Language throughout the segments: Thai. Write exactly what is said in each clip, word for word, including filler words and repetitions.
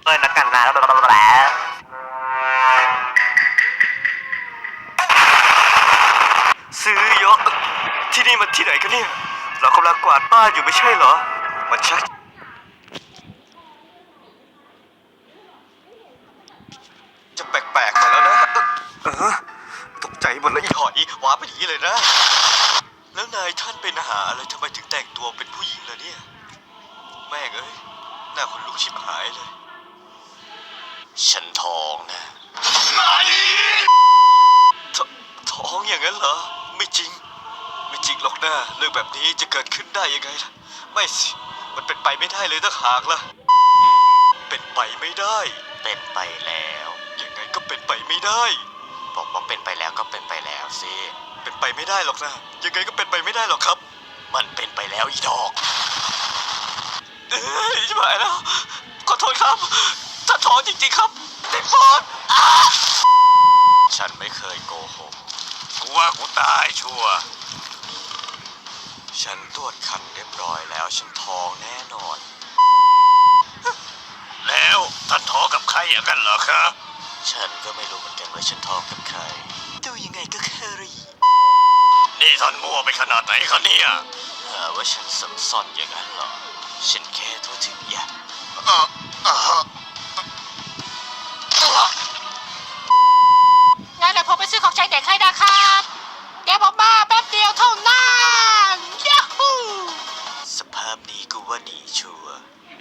เลยนะกันนะซื้อเยอะที่นี่มันที่ไหนกันเนี่ยเรากำลังกวาดบ้านอยู่ไม่ใช่เหรอมันชักจะแปลกๆมาแล้วนะเออตกใจหมดเลยอีหอยว้าไปอย่างนี้เลยนะแล้วนายท่านเป็นอาหารอะไรทำไมถึงแต่งตัวเป็นผู้หญิงล่ะเนี่ยแม่งเอ้ยหน้าคนลุกชิบหายเลยฉันท้องนะทท้องอย่างนั้นเหรอไม่จริงไม่จริงหรอกนะเรื่องแบบนี้จะเกิดขึ้นได้ยังไงล่ะไม่สิมันเป็นไปไม่ได้เลยถ้าหากล่ะเป็นไปไม่ได้เป็นไปแล้วยังไงก็เป็นไปไม่ได้บอกว่าเป็นไปแล้วก็เป็นไปแล้วสิเป็นไปไม่ได้หรอกนะยังไงก็เป็นไปไม่ได้หรอกครับมันเป็นไปแล้วอีดอกเอ้ยชิบหายแล้วขอโทษครับถ้าท้องจริงๆครับติดปอดฉันไม่เคยโกหกกูว่ากูตายชัวร์ฉันตรวจคันเรียบร้อยแล้วฉันท้องแน่นอนแล้วท่านท้องกับใครอย่างนั้นเหรอครับฉันก็ไม่รู้เหมือนกันว่าฉันท้องกับใครดูยังไงก็แค่รีนี่ท่านมั่วไปขนาดไหนคะเนี่ยหาว่าฉันสับซ่อนอย่างนั้นเหรอฉันแค่ทั่วถึงอย่างงั้นเดี๋ยวผมไปซื้อของใช้เด็กให้นะครับเดี๋ยวผมมาแป๊บเดียวเท่านั้นยาฮูสภาพนี้กูว่าดีชัวร์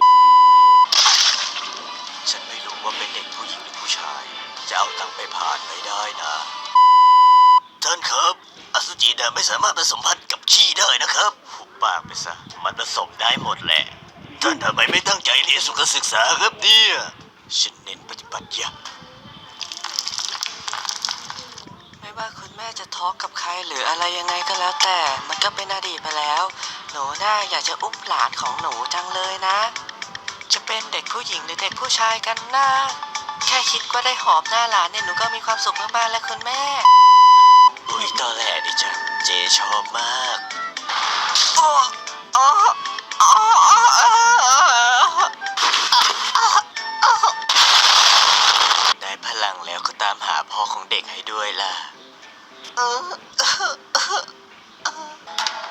ฉันไม่รู้ว่าเป็นเด็กผู้หญิงหรือผู้ชายจะเอาตังค์ไปผ่านไม่ได้นะท่านครับอสุจิเนี่ยไม่สามารถผสมพันธุ์กับขี้ได้นะครับหุบปากไปซะมันผสมได้หมดแหละท่านทำไมไม่ตั้งใจเรียนสุขศึกษาครับเนี่ยฉันเน้นปฏิบัติอย่างไม่ว่าคุณแม่จะท้องกับใครหรืออะไรยังไงก็แล้วแต่มันก็เป็นอดีตไปแล้วหนูน่าอยากจะอุ้มหลานของหนูจังเลยนะจะเป็นเด็กผู้หญิงหรือเด็กผู้ชายกันนะแค่คิดว่าได้หอมหน้าหลานเนี่ยหนูก็มีความสุขมากๆแล้วคุณแม่อุ้ยตอนแรกดิจังเจชอบมากอ๋ออ๋ออ๋อได้พลังแล้วก็ตามหาพ่อของเด็กให้ด้วยล่ะ